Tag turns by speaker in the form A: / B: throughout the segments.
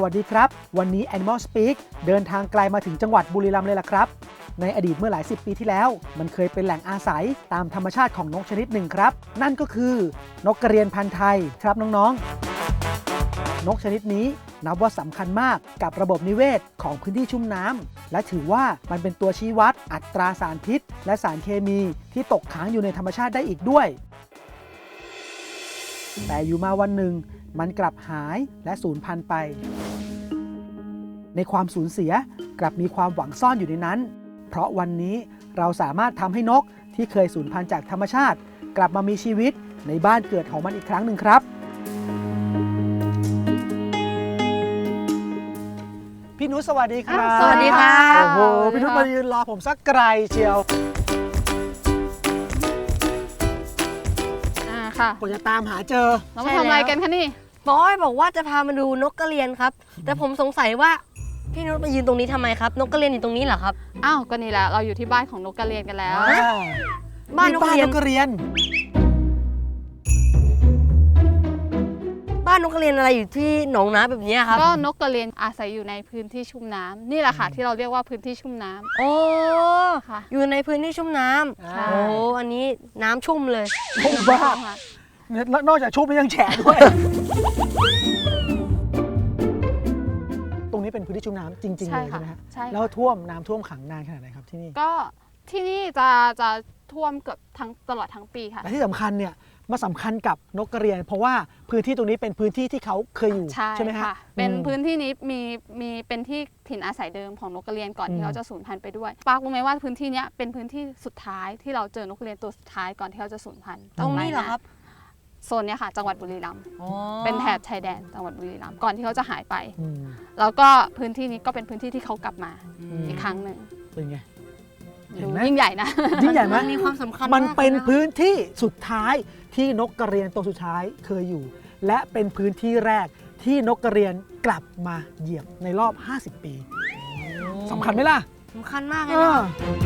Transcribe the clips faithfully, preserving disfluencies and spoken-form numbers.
A: วัสดีครับวันนี้ Animal Speak เดินทางไกลมาถึงจังหวัดบุรีรัมย์เลยล่ะครับในอดีตเมื่อหลายสิบปีที่แล้วมันเคยเป็นแหล่งอาศัยตามธรรมชาติของนกชนิดหนึ่งครับนั่นก็คือนกกระเรียนพันธุ์ไทยครับน้องๆนกชนิดนี้นับว่าสำคัญมากกับระบบนิเวศของพื้นที่ชุ่มน้ำและถือว่ามันเป็นตัวชี้วัดอัตราสารพิษและสารเคมีที่ตกค้างอยู่ในธรรมชาติได้อีกด้วยแต่อยู่มาวันหนึ่งมันกลับหายและสูญพันธุ์ไปในความสูญเสียกลับมีความหวังซ่อนอยู่ในนั้นเพราะวันนี้เราสามารถทำให้นกที่เคยสูญพันธุ์จากธรรมชาติกลับมามีชีวิตในบ้านเกิดของมันอีกครั้งหนึ่งครับพี่นุชสวัสดีครับ
B: สวัสดีค่ะ
A: โอ้โหพี่นุชมายืนรอผมสักไกลเชียว
B: อ่าค่ะ
A: ผมจะตามหาเจอ
B: เรามาทำอะไรกันคะนี่
C: หมออ้อยบอกว่าจะพามาดูนกกระเรียนครับแต่ผมสงสัยว่าพี่นุชมายืนตรงนี้ทำไมครับนกกระเรียนอยู่ตรงนี้เหรอครับ
B: อ้าวก็นี่แหละเราอยู่ที่บ้านของนกกระเรียนกันแล้ว
A: อ่า
C: บ้านนกกระเรียน
A: บ้านนกกระเรียน
C: บ้านนกกระเรียนอะไรอยู่ที่หนองน้ำแบบนี้ครับ
B: ก็นกกระเรียนอาศัยอยู่ในพื้นที่ชุ่มน้ำนี่แหละค่ะที่เราเรียกว่าพื้นที่ชุ่มน้ำ
C: โอ้
B: ค่ะ
C: อยู่ในพื้นที่ชุ่มน้ำ
A: อ่า
C: โอ้อันนี้น้ำชุ่มเลย
A: ผมบ้าแล้วนอกจากชุบมันยังแฉะด้วย ตรงนี้เป็นพื้นที่ชุ่มน้ำจริงๆเลยใช่ไหมฮะ
B: ใช่ค่ะ
A: แล้วท่วมน้ำท่วมขังนานขนาดไหนครับที่นี่
B: ก็ที่นี่จะจะท่วมเกือบทั้งตลอดทั้งปีค่ะ
A: และที่สำคัญเนี่ยมาสำคัญกับนกกระเรียน เพราะว่าพื้นที่ตรงนี้เป็นพื้นที่ที่เขาเคยอยู่
B: ใช่
A: ใช่ไหมฮะ
B: ค่ะเป็น
A: อืม
B: พื้นที่นี้มีมีเป็นที่ถิ่นอาศัยเดิมของนกกระเรียนก่อน
A: อืม
B: ที่เขาจะสูญพันธุ์ไปด้วยปาร์ครู้ไหมว่าพื้นที่เนี้ยเป็นพื้นที่สุดท้ายที่เราเจอนกกระเรียนตัวสุดท้ายก่อนที่เขาจะสูญพันธุ์
C: ตรงนี้เหรอครับ
B: โซนเนี้ยค่ะจังหวัดบุรีรัมย์
C: อ๋อ
B: เป็นแถบชายแดนจังหวัดบุรีรัมย์ก่อนที่เขาจะหายไป
A: อืม
B: แล้วก็พื้นที่นี้ก็เป็นพื้นที่ที่เขากลับมา
A: อืม
B: อีกครั้งหนึ่ง
A: เป็นไง เห็น
B: ดู
A: ไหม
B: ยิ่งใหญ่นะ
A: ยิ่งใหญ่ไหม
C: มันมีความสำคัญ
A: มันเป็น
C: มากลยะ
A: พื้นที่สุดท้ายที่นกกระเรียนตัวสุดท้ายเคยอยู่ และเป็นพื้นที่แรกที่นกกระเรียนกลับมาเหยียบในรอบ ห้าสิบ ปีสำคัญไหมล่ะ
C: สำคัญมากเลย
A: เอ
C: นะ
A: อ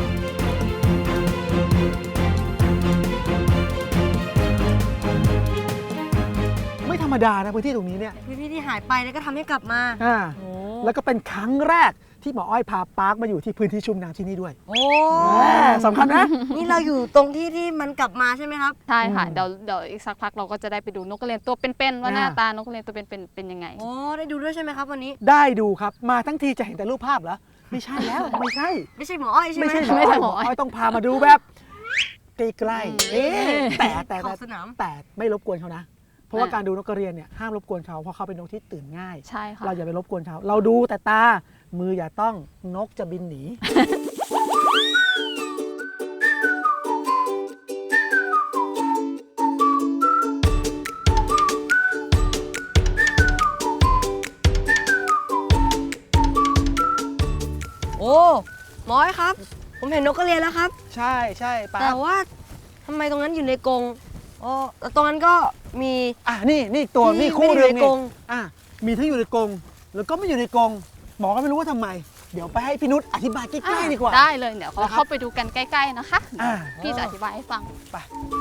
A: ไม่ธรรมดานะพื้นที่ตรงนี้เนี่ย
C: พื้นที่ที่หายไปแล้วก็ทำให้กลับมา
A: อ่า
C: โอ้
A: แล้วก็เป็นครั้งแรกที่หมออ้อยพาปาร์คมาอยู่ที่พื้นที่ชุ่มน้ำที่นี่ด้วย
C: โอ้
A: แหมสำคัญนะ
C: นี่เราอยู่ตรงที่ที่มันกลับมาใช่ไหมครับ
B: ใช่ค่ะ
A: อืม
B: เดี๋ยวเดี๋ยวอีกสักพักเราก็จะได้ไปดูนกกระเรียนตัวเป็นๆว่า
A: อ่า
B: หน้าตานกกระเรียนตัวเป็นๆเป็นยังไง
C: โอ้ได้ดูด้วยใช่ไหมครับวันนี้
A: ได้ดูครับมาทั้งทีจะเห็นแต่รูปภาพเหรอไม่ใช่แล้วไม่ใช่
C: ไม่ใช่หมออ้อยใช่ไหม
A: ไม่ใช่หมอ
B: ไม่ใช่
A: อ้อย
B: ห
A: ห
B: ม
A: ม
B: อ
A: อ
B: อ้อย
A: อ้อยต้องพามาดูแบบใกล้ๆ
B: อื
A: เอ๊ะ
B: ม
A: แต่แต่
C: ขอ
A: แต่
C: บสนาม
A: แต่ไม่รบกวนเขานะ เพราะว่า
B: อ่า
A: การดูนกกระเรียนเนี่ยห้ามรบกวนเขาเพราะเขาเป็นนกที่ตื่นง่าย
B: ใช่ค่ะ
A: เราอย่าไปรบกวนเขาเราดูแต่ตามืออย่าต้องนกจะบินหนี
C: โอ้หมออ้อยครับ ผมเห็นนกกระเรียนแล้วครับ
A: ใช่ใช่ปา
C: แต่ว่าทำไมตรงนั้นอยู่ในกรงอ๋อแล้วตรงนั้นก็มี
A: อ่ะนี่นี่ตัว
C: ที่
A: นี่คู่
C: ไม่ได้
A: เรื่อง
C: อยู่ใน
A: นี่
C: กรง
A: อ่ะมีทั้งอยู่ในกรงแล้วก็ไม่อยู่ในกรงหมอก็ไม่รู้ว่าทำไม เดี๋ยวไปให้พี่นุชอธิบายใกล้ๆดีกว่า
B: ได้เลยเดี๋ยวเรา
A: นะครับ
B: เข้าไปดูกันใกล้ๆนะคะ
A: อ่า
B: พี่จะอธิบายให้ฟัง
A: ไป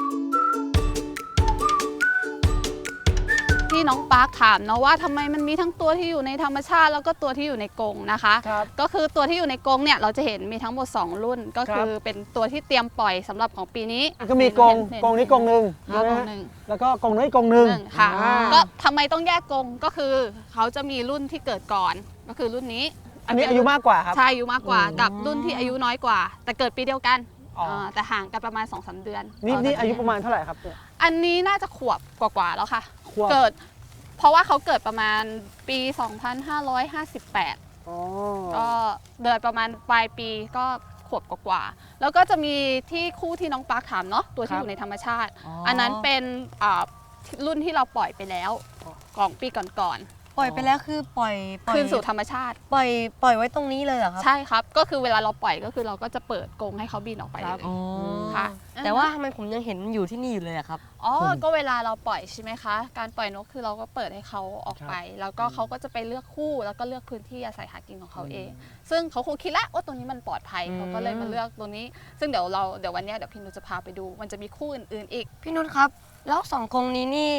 B: ที่น้องปาร์คถามเนาะว่าทำไมมันมีทั้งตัวที่อยู่ในธรรมชาติแล้วก็ตัวที่อยู่ในกรงนะคะ
A: ครับ
B: ก็คือตัวที่อยู่ในกรงเนี่ยเราจะเห็นมีทั้งหมดสองรุ่น ก็คือ
A: ครับ
B: เป็นตัวที่เตรียมปล่อยสำหรับของปีนี้
A: ก็มีกรง
B: เห็น
A: กรงนี้กรงหนึ่ง
B: เห็นกรงห
A: นะ
B: นึ่ง
A: แล้วก็กรงนู้นอีกกรงหนึ่ง
B: หนึ่งค่ะ
A: อ่า
B: ก็ทำไมต้องแยกกรงก็คือเขาจะมีรุ่นที่เกิดก่อนก็คือรุ่นนี้
A: อันนี้อายุมากกว่าครับ
B: ใช่อายุมากกว่า
A: อืม
B: กับรุ่นที่อายุน้อยกว่า แต่เกิดปีเดียวกัน
A: อ๋ออ่
B: าแต่ห่างกันประมาณ สองสาม เดือน
A: นี่นี่
B: ต่กั
A: อายุประมาณเท่าไหร่ครับเนี่ย
B: อันนี้น่าจะขวบกว่าๆแล้วค่ะ
A: ขวบ
B: เกิด เพราะว่าเขาเกิดประมาณปี สองพันห้าร้อยห้าสิบแปด
A: อ๋อ
B: ก็เดือนประมาณปลายปีก็ขวบกว่าๆแล้วก็จะมีที่คู่ที่น้องปาร์คถามเนาะตัวที่อยู่ในธรรมชาติ อันนั้นเป็นอ่ารุ่นที่เราปล่อยไปแล้วของปีก่อน
C: ปล่อยไปแล้วคือปล่อยปล่อย
B: คืนสู่ธรรมชาติ
C: ปล่อยปล่อยไว้ตรงนี้เลยเหรอครับ
B: ใช่ครับ ก็คือเวลาเราปล่อยก็คือเราก็จะเปิดกรงให้เขาบินออกไปเลย
C: อ๋อ
B: ค่ะ
C: แต่ว่าทำไมผมยังเห็นมันอยู่ที่นี่อยู่เลยอะครับ
B: อ๋อ ก็เวลาเราปล่อยใช่ไหมคะ การปล่อยนกคือเราก็เปิดให้เขาออกไป แล้วก็เขาก็จะไปเลือกคู่ แล้วก็เลือกพื้นที่อาศัยหากินของเขาเอง ซึ่งเขาคงคิดแล้วว่าตรงนี้มันปลอดภัย
C: อืม
B: เขาก็เลยมาเลือกตรงนี้ ซึ่งเดี๋ยวเราเดี๋ยววันเนี้ยเดี๋ยวพี่นุชจะพาไปดู มันจะมีคู่อื่นๆอีก
C: พี่นุชครับ แล้วสองกรงนี้นี่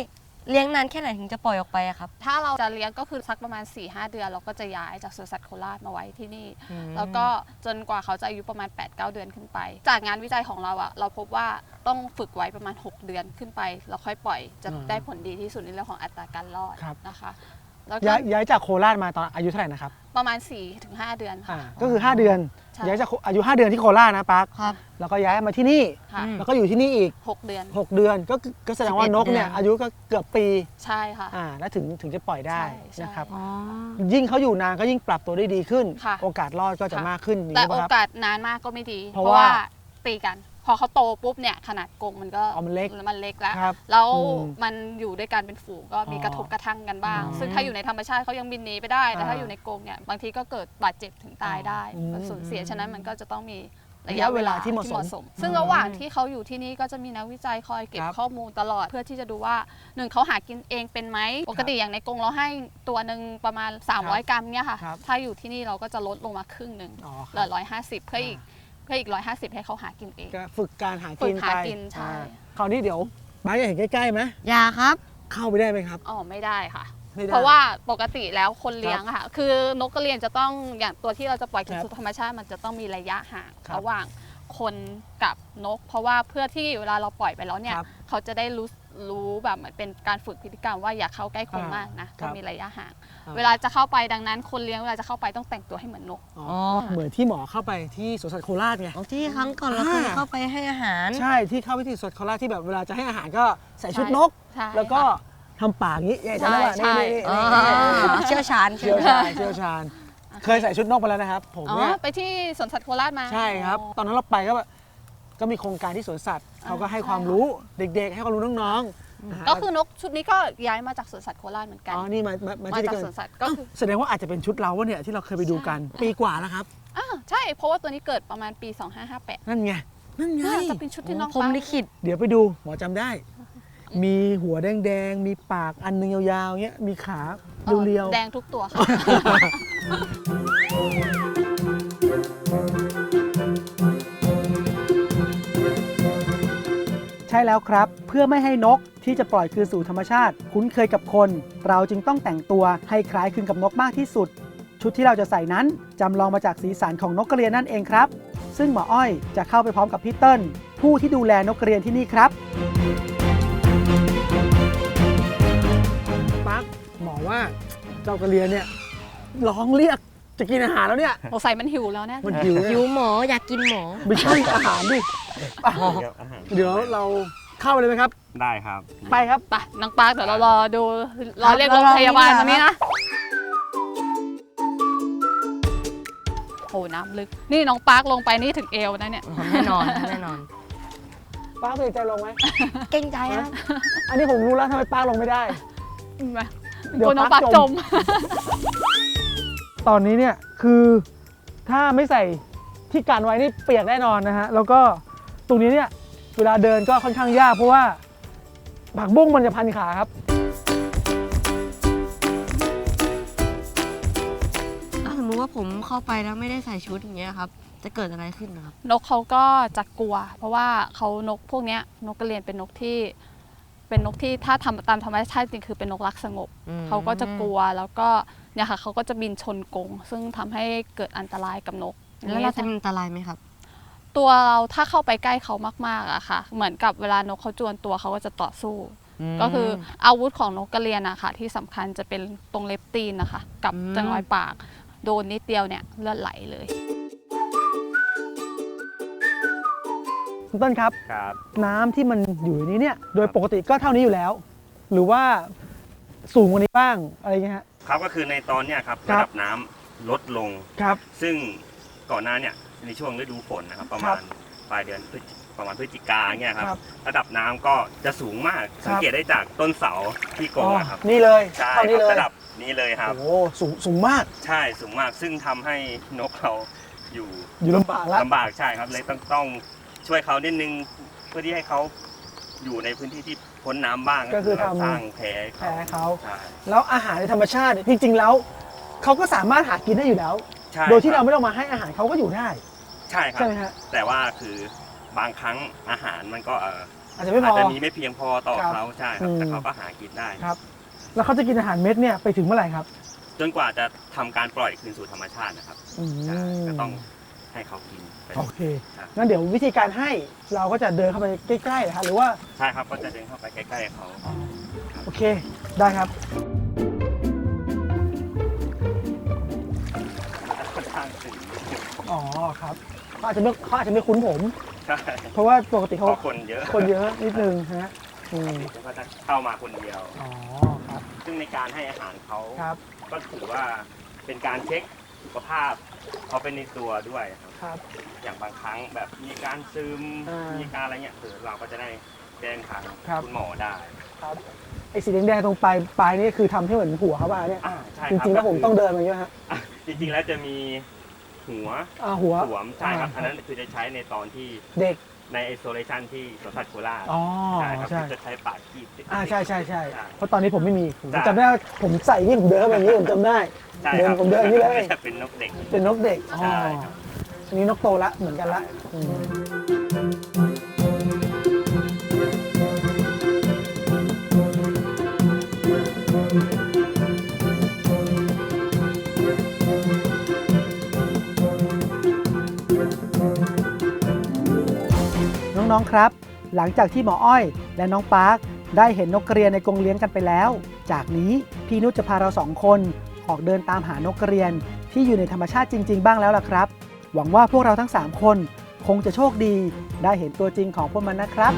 C: เลี้ยงนานแค่ไหนถึงจะปล่อยออกไปอะครับ
B: ถ้าเราจะเลี้ยงก็คือสักประมาณ สี่ห้า เดือนเราก็จะย้ายจากสวนสัตว์โคราชมาไว้ที่นี่
C: อืม
B: แล้วก็จนกว่าเขาจะอายุประมาณ แปดเก้า เดือนขึ้นไป จากงานวิจัยของเราอะเราพบว่าต้องฝึกไว้ประมาณ หก เดือนขึ้นไปแล้วค่อยปล่อยจะ
A: อ่า
B: ได้ผลดีที่สุดในเรื่องของอัตราการรอด
A: ครับ
B: นะคะแล้วก็
A: ย้ายย้ายจากโคราชมาตอนอายุเท่าไหร่นะครับ
B: ประมาณ สี่ถึงห้า เดือน
A: อ่า
B: ค่ะ
A: ก็คือ ห้า เดือน
B: ใช่
A: ย้ายจากอายุ ห้า เดือนที่โคราชนะปัก
C: ครับ
A: แล้วก็ย้ายมาที่นี่
B: ค่ะ
C: อืม
A: แล้วก็อยู่ที่นี่อีก
B: หกเดือน
A: หก เดือนก็คือก็แสดงว่า
C: สิบเอ็ด
A: นกเนี่ย
C: เดือน
A: อายุก็เกือบปี
B: ใช่ค่ะ
A: อ่าแล้วถึงถึงจะปล่อยได้
B: ใช่ใช่
A: นะครับ
C: อ๋อ
A: ยิ่งเขาอยู่นานก็ยิ่งปรับตัวได้ดีขึ้น
B: ค่ะ
A: โอกาสรอดก็จะ
B: ค่ะ
A: มากขึ้นอย่าง
B: แต่
A: นี้
B: โอ
A: ป่ะครับ
B: กาสนานมากก็ไม่ดี
A: เพ
B: เพ
A: ราะ
B: ราะ
A: ว่า
B: ว่าตีกัน พอเขาโตปุ๊บเนี่ยขนาดกรงมันก็
A: อ๋อมันเล็ก
B: มันเล็กแล้ว
A: ครับ
B: แล้ว
A: อืม
B: มันอยู่ด้วยกันเป็นฝูงก็มี
A: อ๋อ
B: กระทบกระทั่งกันบ้าง
A: อืม
B: ซึ่งถ้าอยู่ในธรรมชาติเขายังบินหนีไปได้ แต่ถ้า
A: อ่า
B: อยู่ในกรงเนี่ยบางทีก็เกิดบาดเจ็บถึงตายได้
A: อืม
B: มันสูญเสียฉะนั้นมันก็จะต้องมี
A: ระยะเวลาที่เหมาะสม
B: ซึ่งระหว่างที่เขาอยู่ที่นี่ก็จะมีนักวิจัยคอยเก็บ
A: ครับ
B: ข้อมูลตลอด เพื่อที่จะดูว่าหนึ่งเขาหากินเองเป็นไหมปกติอย่างในกรงเราให้ตัวหนึ่งประมาณ สามร้อย กรัมเนี่ยค่ะ
A: ครับ
B: ถ้าอยู่ที่นี่เราก็จะลดลงมาครึ่งหนึ่ง
A: อ๋อ
B: เหลือร้อยห้าสิบเพื่ออีกเพื่ออีกร้อยห้าสิบให้เขาหากินเอง
A: ก็ฝึกการหา
B: ฝึ
A: กิ
B: ก
A: น
B: หา
A: ไป
B: กินใช่
A: อ่าคราวนี้เดี๋ยวบ้านจะเห็นใกล้ๆไหม
C: อย่าครับ
A: เข้าไปได้ไหมครับ
B: อ๋อไม่ได้ค่ะ
A: ไม่ได้
B: เพราะว่าปกติแล้วคนเลี้ยงอะค่ะ คือนกกระเรียนจะต้องอย่างตัวที่เราจะปล่อยคื
A: ค
B: อ
A: รับ
B: สู่ธรรมชาติมันจะต้องมีระยะห่าง
A: ครับ
B: ระหว่างคนกับนก เพราะว่าเพื่อที่เวลาเราปล่อยไปแล้วเนี่ย
A: ครับ
B: เขาจะได้รู้รู้แบบเหมือนเป็นการฝึกพฤติกรรมว่าอย่าเข้าใกล้คน
A: อ่าม
B: มากนะ
A: ครั
B: ต้
A: บ
B: องมีระยะห่าง
A: อ่า
B: เวลาจะเข้าไปดังนั้น คนเลี้ยงเวลาจะเข้าไปต้องแต่งตัวให้เหมือนนก
A: อ๋อเหมือนที่หมอเข้าไปที่สวนสัตว์โคราชไง
C: อ๋อที่ครั้งก่อนเราเคย
A: อ่า
C: เข้าไปให้อาหาร
A: ใช่ที่เข้าไปที่สวนสัตว์โคราชที่แบบเวลาจะให้อาหารก็ใส่ชุดนก
B: ใช่
A: แล้วก็
B: ค่ะ
A: ทำปากอย่างนี้เนี่ยจำได้ป่ะ
B: ใช่
A: นี่นี่
C: อ๋อ
A: นี่นี่
C: เชี่ยวชาญ
A: เชี่ยวชาญเชี่ยวชาญเคยใส่ชุดนกไปแล้วนะครับ ผม
B: อ๋อ
A: เนี่ย
B: ไปที่สวนสัตว์โคราชมา
A: ใช่ครับ ตอนนั้นเราไปก็แบบก็มีโครงการที่สวนสัตว์เขาก็ให้ความรู้เด็กๆ ให้ความรู้น้องๆนะฮะ
B: ก็คือนกชุดนี้ก็ย้ายมาจากสวนสัตว์โคราชเหมือนกัน
A: อ๋อนี่มามามา
B: มา
A: ที่
B: จาก
A: เกิ
B: ส
A: น
B: วนสัตว์ก็คือ
A: แสดงว่าอาจจะเป็นชุดเราวะเนี่ยที่เราเคยไปดูกัน ปีกว่าแล้วครับ
B: อ่าใช่ เพราะว่าตัวนี้เกิดประมาณปี สองห้าห้าแปด
A: นั่นไงนั่นไง
B: น่าจะเป็นชุดที่น้อง
C: ผม
B: ฟ้า
C: ลิขิต
A: เดี๋ยวไปดูหมอจำได้ มีหัวแดงๆ มีปากอันหนึงยาวๆเงี้ยมีขาเรียว
B: แดงทุกตัวค่ะ
A: ใช่แล้วครับ เพื่อไม่ให้นกที่จะปล่อยคืนสู่ธรรมชาติ คุ้นเคยกับคน เราจึงต้องแต่งตัวให้คล้ายคลึงกับนกมากที่สุด ชุดที่เราจะใส่นั้นจำลองมาจากสีสันของนกกระเรียนนั่นเองครับ ซึ่งหมออ้อยจะเข้าไปพร้อมกับพี่เติ้ลผู้ที่ดูแลนกกระเรียนที่นี่ครับปั๊กหมอว่าเจ้ากระเรียนเนี่ยร้องเรียกจะกินอาหารแล้วเนี่ย
B: สงสัยมันหิวแล้วแน่
A: มันหิว
C: หิวหมออยากกินหมอ
A: ไม่ใช่อาหารดิอ่ะ
D: ครับอาหาร
A: เดี๋ยวเราเข้าไปเลยไหมครับ
D: ได้ครับ
A: ไปครับ
B: ไปน้องปาร์คเดี๋ยวเรารอดูรอเรียก
C: ครั
B: ร
C: บ
B: ถพยาบาล
C: รอ
B: ตรงนี้
C: รอ
B: นะโอ้น้ำลึก นี่น้องปาร์คลงไปนี่ถึงเอวนะเนี่ย
C: แน่นอนแน่นอน
A: ป้าตื่นใจลงไหม
C: เก่งใจครับ
A: อันนี้ผมรู้แล้วทำไมป้าลงไม่ได้
B: มา
A: เดี๋ยว
B: กลัวน้อง
A: ปา
B: ปา
A: ร์
B: ร์
A: ค
B: ค
A: จ
B: จ
A: ม
B: ม
A: ตอนนี้เนี่ยคือถ้าไม่ใส่ที่กันไว้นี่เปียกแน่นอนนะฮะ แล้วก็ตรงนี้เนี่ยเวลาเดินก็ค่อนข้างยากเพราะว่าผักบุ้งมันจะพันขาครับ
C: ถ้าสมมติว่าผมเข้าไปแล้วไม่ได้ใส่ชุดอย่างเงี้ยครับ จะเกิดอะไรขึ้นนะครับ
B: นกเขาก็จะกลัว เพราะว่าเขานกพวกเนี้ยนกกระเรียนเป็นนกที่ เป็นนกที่ถ้าทำตามธรรมชาติจริงคือเป็นนกรักสงบ
C: อืม
B: เขาก็จะกลัวแล้วก็เนี่ยค่ะเขาก็จะบินชนกรงซึ่งทำให้เกิดอันตรายกับนก
C: แล้วเราจะมีอันตรายไหมครับ
B: ตัวเราถ้าเข้าไปใกล้เขามากๆอะค่ะ เหมือนกับเวลานกเขาจวนตัวเขาก็จะต่อสู้ ก็คืออาวุธของนกกระเรียนอะค่ะที่สำคัญจะเป็นตรงเล็บตีนนะคะ กับ
C: อืม
B: จังหวะปาก โดนนิดเดียวเนี่ยเลือดไหลเลย
A: คุณต้นครับ
D: ครับ
A: น้ำที่มันอยู่ในนี้เนี่ยโดยปกติก็เท่านี้อยู่แล้ว หรือว่าสูงกว่านี้บ้างอะไรเงี้ยฮะ
D: ครับก็คือในตอนเนี้ยครับ
A: ครั
D: ระ
A: บ
D: ดับน้ำลดลง
A: ครับ
D: ซึ่งก่อนหน้าเนี่ยในช่วงฤดูฝนนะครับ ประ
A: ครั
D: มา
A: บ
D: ณปลายเดือนพฤศจิประมาณพฤศจิกาเนี่ยครับ
A: ครับ
D: ระดับน้ำก็จะสูงมาก สังเกตได้จากต้นเสาที่กร
A: อ๋
D: ง
A: อ
D: อะครับ
A: นี่เลย
D: ใช่
A: เท่า
D: ค
A: นี้
D: รับ
A: เลย
D: ระดับนี้เลยครับ
A: โอ้โหสูงสูงมาก
D: ใช่สูงมากซึ่งทำให้นกเราอยู่
A: อยู่ลำบากแล้ว
D: ลำบากใช่ครับเลยต้องต้องช่วยเขานิดนึงเพื่อที่ให้เขาอยู่ในพื้นที่ที่พ้นน้ำบ้าง
A: ก็คือทำ
D: สร้างแผล
A: แพ้เขา
D: ใช่
A: แล้วอาหารในธรรมชาติเนี่ยจริงๆแล้วเขาก็สามารถหากินได้อยู่แล้ว
D: ใช่
A: โดยที่
D: ค
A: เรา
D: บ
A: ไม่ต้องมาให้อาหารเขาก็อยู่ได้
D: ใช่ครั
A: ใช่
D: บ
A: ไหมฮะ
D: แต่ว่าคือบางครั้งอาหารมันก็เอ่อ
A: อาจจะไม่พ
D: อา
A: อ
D: จจะมีไม่เพียงพอต่อ
A: ครับ
D: เขาใช่ครับ
A: อืม
D: แต่เขาก็หากินได้
A: ครับ แล้วเขาจะกินอาหารเม็ดเนี่ยไปถึงเมื่อไหร่ครับ
D: จนกว่าจะทำการปล่อยคืนสู่ธรรมชาตินะครับ
A: อืม
D: ใช่ก็ต้องให้เขากินไป
A: โอเค
D: ครับ
A: งั้นเดี๋ยววิธีการให้เราก็จะเดินเข้าไปใกล้ๆนะครับหรือว่า
D: ใช่ครับก็จะเดินเข้าไปใกล้ๆเขา
A: โอเคได้ครับ
D: ค่อนข้างตื่น
A: อ๋อครับเขาอาจจะไม่เขาอาจจะไม่คุ้นผม
D: ใช่
A: เพราะว่าปกติ
D: เพ
A: เขา
D: ราะคนเยอะ
A: คนเยอะนิดนึงฮะอืม
D: เขาก็จะเข้ามาคนเดียว
A: อ๋อครับ
D: ซึ่งในการให้อาหารเขา
A: ครับ
D: ก็ถือว่าเป็นการเช็คสุขภาพเขาเป็นในตัวด้วยครับ
A: ครับ
D: อย่างบางครั้งแบบมีการซึม
A: อ่ามี
D: มีการอะไรเงี้ยคือเราก็จะได้แจ้งทาง
A: ครับ
D: คุณหมอได้
A: ครับไอ้สีแดงๆตรงปลายปลายนี่คือทำให้เหมือนหัวเขาป่ะเนี่ย
D: อ่าใช่
A: จ
D: ครับ
A: ริงๆแล้วผม
D: ก็คื
A: ต้องเดินมาเยอะฮะ
D: อ่ะจริงๆแล้วจะมีหัว
A: อ่าหัว
D: สวมใช่ครับ
A: อ่า
D: อันนั้นคือจะใช้ในตอนที่
A: เด็ก
D: ในไอโซเลชันที่สวนสัตว์โคราช
A: อ๋อ
D: ใช่ครับ
A: ใช่
D: ที่จะใช้ปากคีบ
A: อ่าใช่ใช่ใช่
D: ใช่
A: เพราะตอนนี้ผมไม่มีผม
D: ใช่
A: จำได้ว่าผมใส่อย่างนี้ผมเดินเข้าไปอย่างนี้ผมจำได้
D: ใช่
A: เดิ
D: คน รับ
A: ผมเดินอย่างนี้เลย
D: จะเป็นนกเด็ก
A: เป็นนกเด็กอ๋อ
D: ใช่ครับ
A: อันนี้นกโตละเหมือนกันละอืมน้องๆครับ หลังจากที่หมออ้อยและน้องปาร์คได้เห็นนกกระเรียนในกรงเลี้ยงกันไปแล้ว จากนี้พี่นุชจะพาเราสองคนออกเดินตามหานกกระเรียนที่อยู่ในธรรมชาติจริง ๆ บ้างแล้วล่ะครับ หวังว่าพวกเราทั้งสามคนคงจะโชคดีได้เห็นตัวจริงของพวกมันนะครับ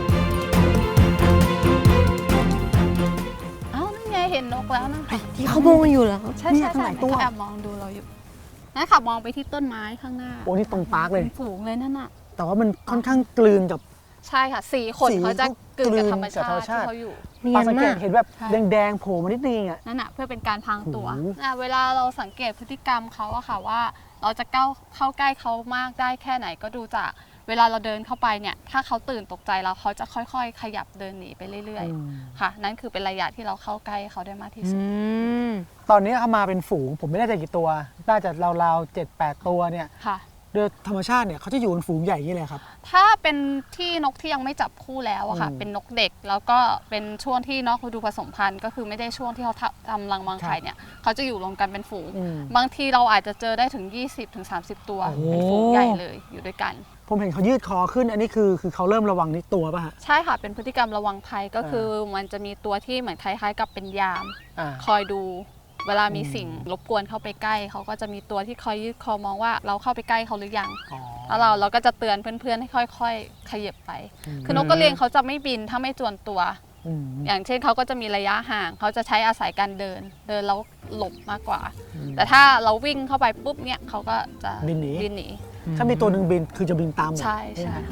B: เอ้านั่นไงเห็นนกแล้วนะคะ
C: ที่เขามองกันอยู่เหรอครับ
B: ใช่
A: เนี่
B: ใช่
A: ยข้าง
B: ใช่
A: หลังตัว
B: เขาแอบมองดูเราอยู่นั่นค่ะมองไปที่ต้นไม้ข้างหน้า
A: โอ้นี่ตรงปาร์คเลย
B: เป็นฝูงเลยนั่นน่ะ
A: แต่ว่ามันค่อนข้างกลืนกับ
B: ใช่ค่ะสีขน
A: สี
B: เขาจะกลืนกับธรรม
A: กลืนกับ
B: ชา
A: ธรรม
B: ติ
A: ชาติ
B: ที่เขาอยู่
C: เนี
A: ปาย
C: น
A: สังเก
C: มา
A: ต
C: ก
A: เห็นแบบ
B: ใช่
A: แดงๆโผล่มานิดนึงอ่ะ
B: นั่นน่ะเพื่อเป็นการพรางตัว
A: โอ้โห
B: อ่ะเวลาเราสังเกตพฤติกรรมเขาอะค่ะว่า เราจะเข้าเข้าใกล้เขามากได้แค่ไหนก็ดูจากเวลาเราเดินเข้าไปเนี่ยถ้าเขาตื่นตกใจเราเขาจะค่อยๆ ขยับเดินหนีไปเรื่อย
A: อืม
B: ๆค่ะ นั่นคือเป็นระยะที่เราเข้าใกล้เขาได้มากที่
C: อื
B: สุด
C: ม
A: ตอนนี้เขามาเป็นฝูงผมไม่แน่ใจกี่ตัว น่าจะราวๆเจ็ดแปดตัวเนี่ย
B: ค่ะ
A: โดยธรรมชาติเนี่ยเขาจะอยู่เป็นฝูงใหญ่อย่างนี้เลยครับ
B: ถ้าเป็นที่นกที่ยังไม่จับคู่แล้วอะค่ะ
A: อืม
B: เป็นนกเด็กแล้วก็เป็นช่วงที่นกฤดูผสมพันธุ์ก็คือไม่ได้ช่วงที่เขาทำรังวางไข่เนี่ยเขาจะอยู่รวมกันเป็นฝูง
A: อืม
B: บางทีเราอาจจะเจอได้ถึง ยี่สิบถึงสามสิบ ตัว
A: โอ้โห
B: เป็นฝูงใหญ่เลยอยู่ด้วยกัน
A: ผมเห็นเขายืดคอขึ้น อันนี้คือคือเขาเริ่มระวังนิดตัวป่ะฮะ
B: ใช่ค่ะเป็นพฤติกรรมระวังภัยก็คือมันจะมีตัวที่เหมือนคล้ายๆ กับเป็นยาม
A: อ่า
B: คอยดู เวลามี
A: อืม
B: สิ่งรบกวนเข้าไปใกล้เขาก็จะมีตัวที่คอยยืดคอมองว่าเราเข้าไปใกล้เขาหรือยัง
A: อ๋อ
B: แล้วเราเราก็จะเตือนเพื่อนๆให้ค่อยๆขยับไป
A: ม
B: คือนกกระเรียนเขาจะไม่บินถ้าไม่จวนตัว
A: อืม
B: อย่างเช่นเขาก็จะมีระยะห่างเขาจะใช้อาศัยการเดิน เดินแล้วหลบมากกว่า
A: อืม
B: แต่ถ้าเราวิ่งเข้าไปปุ๊บเนี่ยเขาก็จะ
A: บินหนี
B: บินหนี
A: ถ้ามีตัวหนึ่งบินคือจะบินตามหมด
B: ใช่ใช่
A: ไหม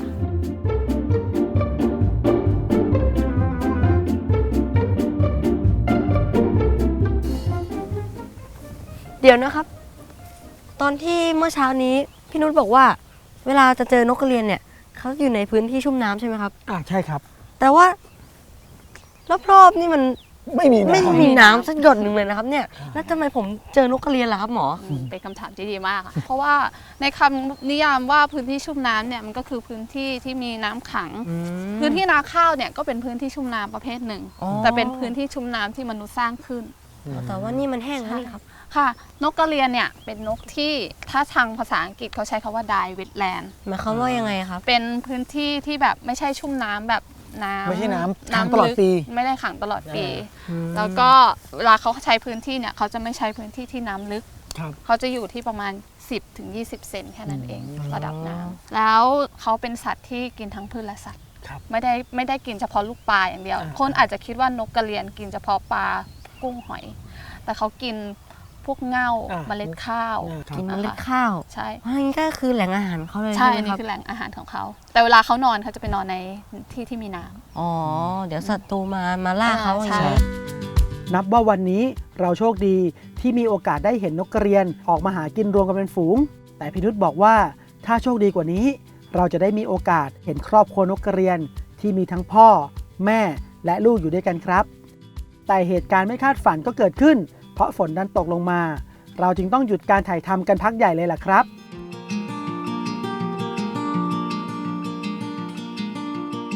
C: เดี๋ยวนะครับ ตอนที่เมื่อเช้านี้พี่นุชบอกว่า เวลาจะเจอนกกระเรียนเนี่ยเขาอยู่ในพื้นที่ชุ่มน้ำใช่ไหมครับ
A: อ่าใช่ครับ
C: แต่ว่ารอบๆนี่มัน
A: ไม่มีนะ
C: ไม่มีน้ำสักหยดหนึ่งเลยนะครับเนี่ยแล้วทำไมผมเจอนกกระเรียนล่ะครับหมอ
B: อืมเป็นคำถามที่ดีมากอะเพราะว่าในคำนิยามว่าพื้นที่ชุ่มน้ำเนี่ยมันก็คือพื้นที่ที่มีน้ำขัง พื้นที่นาข้าวเนี่ยก็เป็นพื้นที่ชุ่มน้ำประเภทหนึ่ง
C: อ๋อ
B: แต่เป็นพื้นที่ชุ่มน้ำที่มนุษย์สร้างขึ้น
C: แต่ว่านี่มันแห้งแล้วนี่ครับ
B: ค่ะ นกกระเรียนเนี่ยเป็นนกที่ถ้าทางภาษาอังกฤษเขาใช้คำว่า dry wetland
C: หมายความว่ายังไงครับ
B: เป็นพื้นที่ที่แบบไม่ใช่ชุ่มน้ำแบบน้ำ
A: ไม่ใช่น้ำขัง
B: น้ำ
A: ตลอด
B: ลึก
A: ปี
B: ไม่ได้ขังตลอดปี
A: อืม
B: แล้วก็เวลาเขาใช้พื้นที่เนี่ยเขาจะไม่ใช้พื้นที่ที่น้ำลึก
A: ครับ
B: เขาจะอยู่ที่ประมาณ สิบถึงยี่สิบ เซนแค่นั้นเอง
A: อืม
B: ระดับน้ำแล้วเขาเป็นสัตว์ที่กินทั้งพืชและสัตว์
A: ครับ
B: ไม่ได้ไม่ได้กินเฉพาะลูกปลาอย่างเดียว
A: อ่า
B: คนอาจจะคิดว่านกกระเรียนกินเฉพาะปลากุ้งหอย แต่เขากินพวกเง่า
A: อ่า
B: เมล็ดข้าว
A: อ่าครับ
C: กินเมล็ดข้าว
B: ใช่
C: อันนี้ก็คือแหล่งอาหารเขาเลย
B: ใช่
C: ใช่
B: อัน
C: ไหม
B: นี้
C: ครับ
B: คือแหล่งอาหารของเขา แต่เวลาเขานอนเขาจะไปนอนในที่ที่มีน้ำ
C: อ๋อ เดี๋ยวศัตรูมามาล่าเขาอย่าง
B: ใช่
C: นี้
A: นับว่าวันนี้เราโชคดีที่มีโอกาสได้เห็นนกกระเรียนออกมาหากินรวมกันเป็นฝูง แต่พี่นุชบอกว่าถ้าโชคดีกว่านี้ เราจะได้มีโอกาสเห็นครอบครัวนกกระเรียนที่มีทั้งพ่อ แม่และลูกอยู่ด้วยกันครับ แต่เหตุการณ์ไม่คาดฝันก็เกิดขึ้น เพราะฝนดันตกลงมา เราจึงต้องหยุดการถ่ายทำกันพักใหญ่เลยล่ะครับหลัง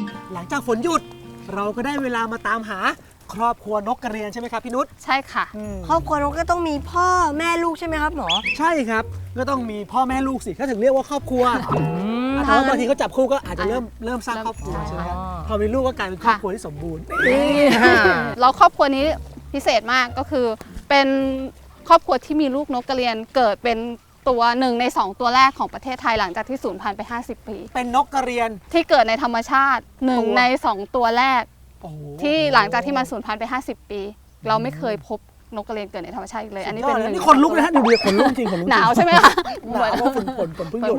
A: งจากฝนหยุด เราก็ได้เวลามาตามหาครอบครัวนกกระเรียนใช่ไหมครับพี่นุช
B: ใช่ค่ะ
A: อืม
C: ครอบครัวน้องก็ต้องมีพ่อแม่ลูกใช่ไหมครับหมอ
A: ใช่ครับก็ต้องมีพ่อแม่ลูกสิก็ถึงเรียกว่าครอบครัว
C: ม
A: แต่ว่าบางทีเขาจับคู่ก็อาจจะเริ่มเริ่มสร้าง
B: เริ่ม
A: ครอบครัว
B: ใช่
A: ใช่ไหมครับ
C: อ๋อ
A: พอมีลูกก็กลายเป็นครอบครัวที่สมบูรณ์
B: แล้วครอบครัวนี้พิเศษมากก็คือเป็นครอบครัวที่มีลูกนกกระเรียนเกิดเป็นตัวหนึ่งในสองตัวแรกของประเทศไทยหลังจากที่สูญพันธุ์ไป ห้าสิบ ปี
A: เป็นนกกระเรียน
B: ที่เกิดในธรรมชาติหนึ่ง
A: ตัว
B: ในสองตัวแรก
A: โอ้โห
B: ที่หลังจากที่มันสูญพันธุ์ไป ห้าสิบ ปี เราไม่เคยพบนกกระเรียนเกิดในธรรมชาติอีกเลย อันนี้เป็น
A: ย
B: ห
A: ด
B: นึ่ง
A: นี่คนลุกนะฮะดูดิคนลุกจริงคนลุกจริง
B: หนาวใช่ไหมคะ
A: หนาวเพราะฝนฝนฝนเพิ่งหยุด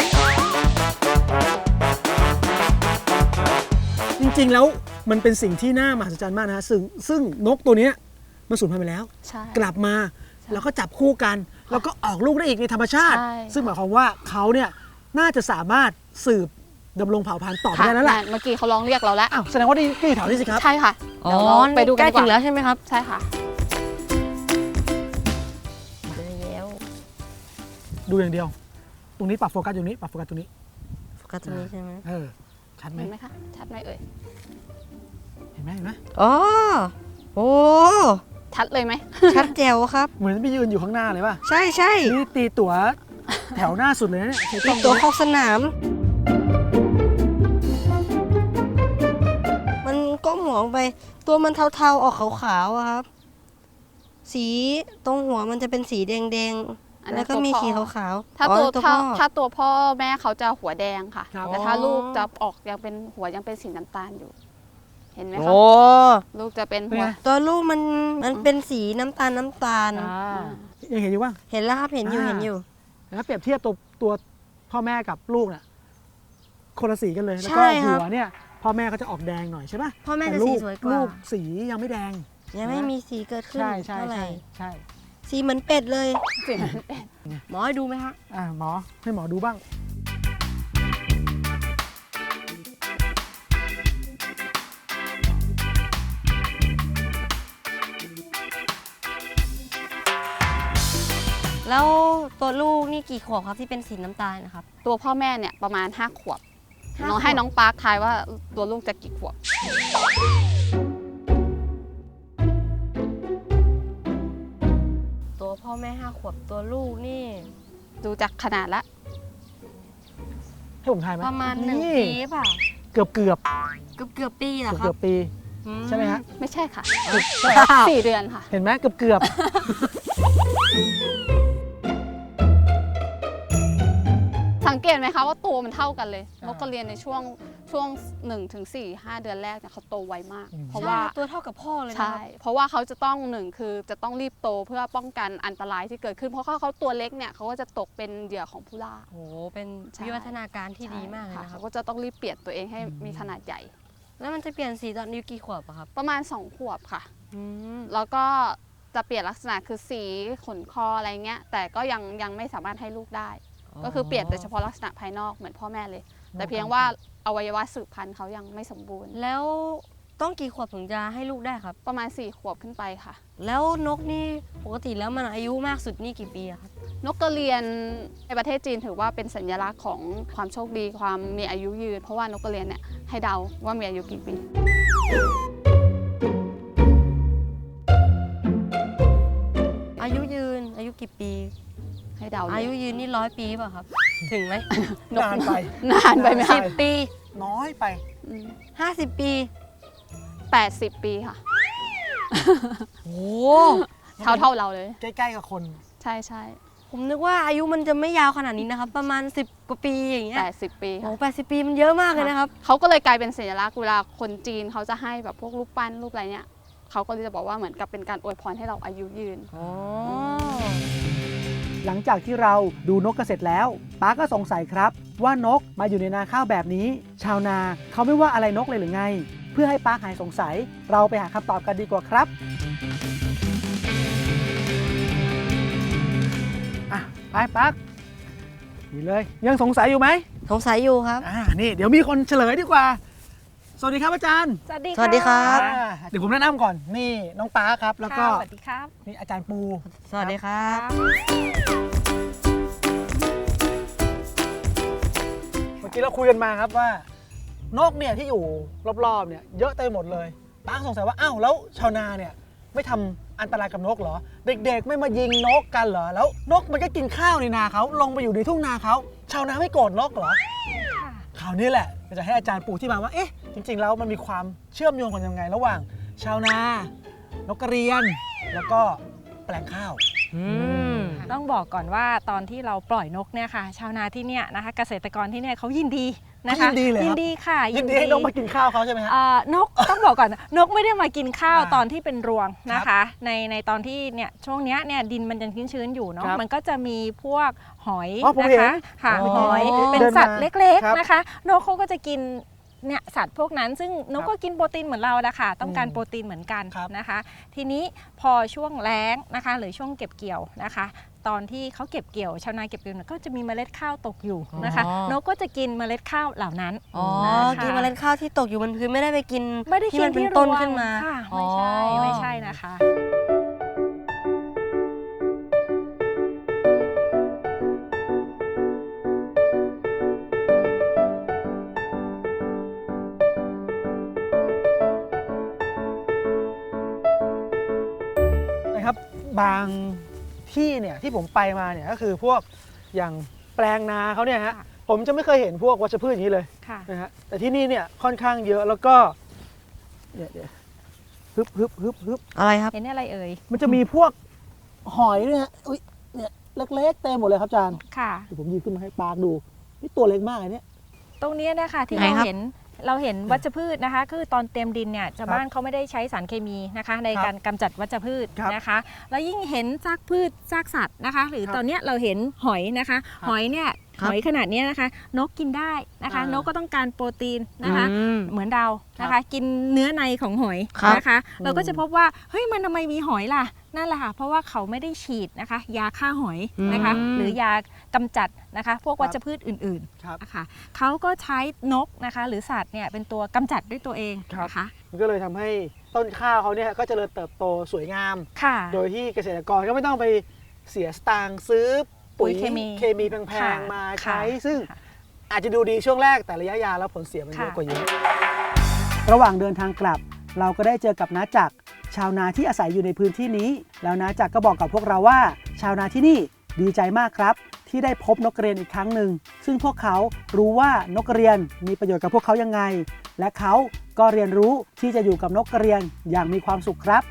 A: จริงๆแล้วมันเป็นสิ่งที่น่ามหัศจรรย์มากนะฮะซึ่งซึ่งนกตัวเนี้ยมันสูญพันธุ์ไปแล้ว
B: ใช่
A: กลับมาแล้วก็จับคู่กัน แล้วก็ออกลูกได้อีกในธรรมชาติ
B: ใช่
A: ซึ่งหมายความว่าเขาเนี่ยน่าจะสามารถสืบดำรงเผ่าพันธุ์ต่อไป
B: ค่ะ
A: ได้แล้วแหละ
B: เมื่อกี้เขาร้องเรียกเราแล้ว
A: อ้าวแสดงว่านี่ก็อยู่แถวนี้สิครับ
B: ใช่ค่ะ
C: อ๋อ
B: เดี๋ยวเราไปดูกัน
C: ใกล้
B: ดีก
C: ถึงแล้
B: ว่า
C: วใช่ไหมครับ
B: ใช่ค่ะ
C: แล้ว
A: ดูอย่างเดียว ตรงนี้ปรับโฟกัสอยู่นี้ปรับโฟกัสตรงนี้
C: โฟกัสตรงนี้ใช่ไหม
A: เออชัดไหม
B: เห็นไหมคะ ชัดไหมเอ่ย
A: เห็นไหมเห็นไหม
C: อ๋อโอ้
B: ชัดเลยไหม
C: ชัดแจ๋วครับ
A: เหมือนไปยืนอยู่ข้างหน้าเลยป่ะ
C: ใช่ใช่
A: นี่ตีตั๋วแถวหน้าสุดเลยนะเนี่ยใช้กล้
C: มี
A: อง
C: ตัว
A: นี้
C: เข้าสนาม มันก้มหัวลงไป ตัวมันเทาๆออกขาวๆอะครับ สีตรงหัวมันจะเป็นสีแดง
B: อัน
C: ๆ
B: นั้น
C: แล้วก็มี
B: ตัวพ่อ
C: สีขาวๆ
B: ถ้า
C: อ๋อ
B: ตัว
C: ตัว
B: ถ้า
C: พ่อ
B: ถ้าตัวพ่อแม่เขาจะหัวแดงค่ะ
A: ครับ
B: แต่ถ้า
C: อ๋อ
B: ลูกจะออกยังเป็นหัวยังเป็นสีน้ำตาลอยู่ เห็นไหมคะ
C: โอ้
B: ลูกจะเป็น
A: เป็น
B: หัว
A: ไง
C: ตัวลูกมันมันเป็นสีน้ำตาลน้ำตาล
A: ยังเห็นอยู่ว่า
C: เห็นแล้วครับเห็นอยู่
A: อ่า
C: เห็นอยู่
A: แล้วเปรียบเทียบตัวตัวพ่อแม่กับลูกน่ะคนละสีกันเลยแล้ว
C: ใช่
A: ก็
C: ครับ
A: หัวเนี่ยพ่อแม่เขาจะออกแดงหน่อยใช่ปะ
C: พ่อแม่
A: แต่
C: จะ
A: ลู
C: สี
A: ก
C: สวยกว่า
A: ลูกสียังไม่แดง
C: ยังไม่มีสีเกิดขึ้น
A: ใช่ใช่
C: เท่าไหร่
A: ใช่ใช่
C: สีเหมือนเป็ดเลย
B: สีนั้นเป็น
C: หมอให้ดูไหมฮะ
A: อ่าหมอให้หมอดูบ้าง
C: แล้วตัวลูกนี่กี่ขวบครับที่เป็นสีน้ำตาลนะครับ
B: ตัวพ่อแม่เนี่ยประมาณห้าขวบ
C: ห้า
B: น้อง
C: ขวบ
B: ให้น้องปาร์คทายว่าตัวลูกจะกี่ขวบ
C: ตัวพ่อแม่ห้าขวบตัวลูกนี่
B: ดูจากขนาดละ
A: ให้ผมทายไหม
C: ประมาณหนึ่ง
A: นี่
C: ปีเปล่า
A: เกือบเกือบ
C: เกือบเกือบปีเหรอ
A: เกือบ
C: ครั
A: เกื
C: บ
A: อบปี
C: อื
A: ใช่ไหมฮะ
B: ไม่ใช่ค่ะ
A: อ้าว
B: สี่เดือนค่ะ
A: เห็นไหมเกือบเกือบ
B: สังเกตไหมคะว่าตัวมันเท่ากันเลยนกกระเรียนในช่วงช่วงหนึ่งถึงสี่ ห้าเดือนแรกเนี่ยเขาโตไวมาก เพราะว่า
C: ใช่ตัวเท่ากับพ่อเลยนะ
B: ใช่
C: ครับ
B: เพราะว่าเขาจะต้องหนึ่งคือจะต้องรีบโตเพื่อป้องกันอันตรายที่เกิดขึ้น เพราะเขาเขาตัวเล็กเนี่ยเขาก็จะตกเป็นเหยื่อของผู้ล่า
C: โอ้โหเป็น
B: ใช่
C: วิวัฒนาการที่ดีมากเลยนะครั
B: เขา
C: บ
B: ก็จะต้องรีบเปลี่ยนตัวเองให้มีขนาดใหญ่
C: แล้วมันจะเปลี่ยนสีตอนอายุกี่ขวบอะครับ
B: ประมาณสองขวบค่ะ
C: อืม
B: แล้วก็จะเปลี่ยนลักษณะคือสีขนคออะไรเงี้ย แต่ก็ยังยังไม่สามารถให้ลูกได้ ก็คือเปลี่ยนแต่เฉพาะลักษณะภายนอกเหมือนพ่อแม่เลย แต่เพียงว่าอวัยวะสืบพันธุ์เขายังไม่สมบูรณ์
C: แล้วต้องกี่ขวบถึงจะให้ลูกได้ครับ
B: ประมาณสี่ขวบขึ้นไปค่ะ
C: แล้วนกนี่ปกติแล้วมันอายุมากสุดนี่กี่ปีอะครับ
B: นกกระเรียนในประเทศจีนถือว่าเป็นสัญลักษณ์ของความโชคดีความมีอายุยืน เพราะว่านกกระเรียนเนี่ยให้เดาว่ามีอายุกี่ปี
C: อายุยืนอายุกี่ปี
B: ให้เดาเล
C: อายุยืนนี่ร้อยปีเปล่ะครับ ถึงไหม
B: นก
A: นานไป
B: นานไปไหม
A: ใช่
B: คะ
C: สิบปี
A: น้อยไป
C: ห้าสิบปี
B: แปดสิบปีค่ะ
C: โอ้
B: เท่าเท่าเราเลย
A: ใกล้ๆกับคน
B: ใช่ใช่
C: ผมนึกว่าอายุมันจะไม่ยาวขนาดนี้นะครับ ประมาณสิบกว่าปีอย่างเงี้ย
B: แปดสิบปี
C: โอ้
B: ค่ะ
C: แปดสิบปีมันเยอะมากเลยนะครับ
B: เขาก็เลยกลายเป็นสัญลักษณ์เวลาคนจีนเขาจะให้แบบพวกรูปปั้นรูปอะไรเนี่ยเขาก็เลยจะบอกว่าเหมือนกับเป็นการอวยพรให้เราอายุยืน
C: อ๋อ
A: หลังจากที่เราดูนกกันเสร็จแล้วป้าก็สงสัยครับ ว่านกมาอยู่ในนาข้าวแบบนี้ ชาวนาเขาไม่ว่าอะไรนกเลยหรือไง เพื่อให้ป้าหายสงสัย เราไปหาคำตอบกันดีกว่าครับอ่ะไปปักนี่เลยยังสงสัยอยู่ไหม
C: สงสัยอยู่ครับ
A: อ่านี่เดี๋ยวมีคนเฉลยดีกว่า สวัสดีครับอาจารย์
B: สวัสดี
C: สวัสดีครับ
A: อ่าเดี๋ยวผมแนะนำก่อนนี่น้องป้าครับแล้วก็
B: สวัสดีครับ
A: นี่อาจารย์ปู
C: สวัสดีครับ
A: เมื่อกี้เราคุยกันมาครับว่านกเนี่ยที่อยู่รอบๆเนี่ยเยอะเต็มหมดเลยป้าสงสัยว่าอ้าวแล้วชาวนาเนี่ยไม่ทำอันตรายกับนกเหรอเด็กๆไม่มายิงนกกันเหรอแล้วนกมันก็กินข้าวในนาเขาลงไปอยู่ในทุ่งนาเขาชาวนาไม่โกรธนกเหรอคราวนี้แหละจะให้อาจารย์ปูที่มาว่าเอ๊ะจริงๆแล้วมันมีความเชื่อมโยงกันยังไงระหว่างชาวนานกกระเรียนแล้วก็แปลงข้าว
E: ต้องบอกก่อนว่าตอนที่เราปล่อยนกเนี่ยค่ะชาวนาที่เนี่ยนะคะเกษตรกรที่เนี่ยเขายินดีนะคะ
A: ยินดีเลยยิ
E: นดีค่ะ
A: ยินดีให้นกมากินข้าวเขาใช่ไหมฮะ
E: นกต้องบอกก่อนนกไม่ได้มากินข้าวตอนที่เป็นรวงนะคะในในตอนที่เนี่ยช่วงเนี้ยเนี่ยดินมันยังชื้นๆอยู่เนาะมันก็จะมีพวกหอยนะคะค่ะหอยเป็นสัตว์เล็กๆนะคะนกเขาก็จะกินเนี่ยสัตว์พวกนั้นซึ่งนกก็กินโปรตีนเหมือนเราแหละค่ะต้องการโปรตีนเหมือนกันนะคะทีนี้พอช่วงแล้งนะคะหรือช่วงเก็บเกี่ยวนะคะตอนที่เขาเก็บเกี่ยวชาวนาเก็บเกี่ยวก็จะมีเมล็ดข้าวตกอยู่นะคะนกก็จะกินเมล็ดข้าวเหล่านั้น
C: อ๋อกินเมล็ดข้าวที่ตกอยู่บนพื้นไม่ได้ไปกิน
E: ไม่ได้กินที่
C: ต้นขึ้นมา
E: ไม่ใช่ไม่ใช่นะคะ
A: นะครับบางที่เนี่ยที่ผมไปมาเนี่ยก็คือพวกอย่างแปลงนาเขาเนี่ยฮะผมจะไม่เคยเห็นพวกวัชพืชอย่างนี้เลยนะฮะแต่ที่นี่เนี่ยค่อนข้างเยอะแล้วก็เนี่ยเดี๋ยวฮึบฮึบฮึบฮึบ
C: อะไรครับ
E: เห็นอะไรเอ่ย
A: มันจะมีพวกหอยเนี่ยอุ้ยเนี่ยเล็กๆเต็มหมดเลยครับอาจารย์
E: ค่ะ
A: เดี๋ยวผมยืนขึ้นมาให้ปากดูนี่ตัวเล็กมากเลยเนี่ย
E: ตรงนี้นะคะที่เราเห็นเราเห็นวัชพืชนะคะคือตอนเตรียมดินเนี่ยชาวบ้านเขาไม่ได้ใช้สารเคมีนะคะในการกำจัดวัชพืชนะคะแล้วยิ่งเห็นซากพืชซากสัตว์นะคะหรือตอนนี้เราเห็นหอยนะคะหอยเนี่ยหอยขนาดนี้นะคะนกกินได้นะคะนกก็ต้องการโปรตีนนะคะเหมือนเรานะคะกินเนื้อในของหอยนะคะเราก็จะพบว่าเฮ้ยมันทำไมมีหอยล่ะนั่นแหละค่ะเพราะว่าเขาไม่ได้ฉีดนะคะยาฆ่าหอยนะคะหรือยากำจัดนะคะพวกวัชพืชอื่นๆนะคะเขาก็ใช้นกนะคะหรือสัตว์เนี่ยเป็นตัวกำจัดด้วยตัวเองนะคะ
A: มันก็เลยทำให้ต้นข้าวเขาเนี่ยก็เจริญเติบโตสวยงามโดยที่เกษตรกรก็ไม่ต้องไปเสียสตางค์ซื้อปุ๋ยเคมีแพงๆมาใช้ซึ่งอาจจะดูดีช่วงแรกแต่ระยะยาวแล้วผลเสียมันเยอะกว่าเยอะระหว่างเดินทางกลับเราก็ได้เจอกับน้าจักรชาวนาที่อาศัยอยู่ในพื้นที่นี้แล้วน้าจักรก็บอกกับพวกเราว่าชาวนาที่นี่ดีใจมากครับที่ได้พบนกกระเรียนอีกครั้งหนึ่งซึ่งพวกเขารู้ว่านกกระเรียนมีประโยชน์กับพวกเขายังไงและเขาก็เรียนรู้ที่จะอยู่กับนกกระเรียนอย่างมีความสุขครับ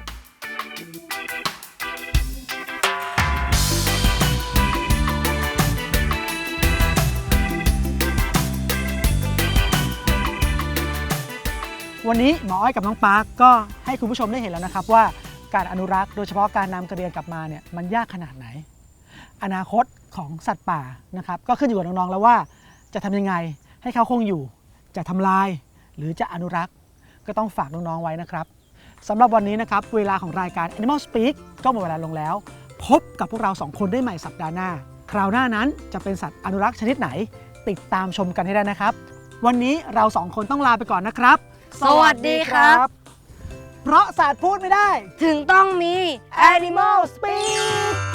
A: วันนี้หมออ้อยกับน้องปาร์คก็ให้คุณผู้ชมได้เห็นแล้วนะครับว่าการอนุรักษ์โดยเฉพาะการนำกระเรียนกลับมาเนี่ยมันยากขนาดไหนอนาคตของสัตว์ป่านะครับก็ขึ้นอยู่กับน้องๆแล้วว่าจะทำยังไงให้เขาคงอยู่จะทำลายหรือจะอนุรักษ์ก็ต้องฝากน้องๆไว้นะครับสำหรับวันนี้นะครับเวลาของรายการ Animal Speak ก็หมดเวลาลงแล้วพบกับพวกเราสองคนได้ใหม่สัปดาห์หน้าคราวหน้านั้นจะเป็นสัตว์อนุรักษ์ชนิดไหนติดตามชมกันให้ได้นะครับวันนี้เราสองคนต้องลาไปก่อนนะครับ
C: สวัสดีครับ
A: เพราะสัตว์พูดไม่ได้
C: ถึงต้องมี
A: Animal Speak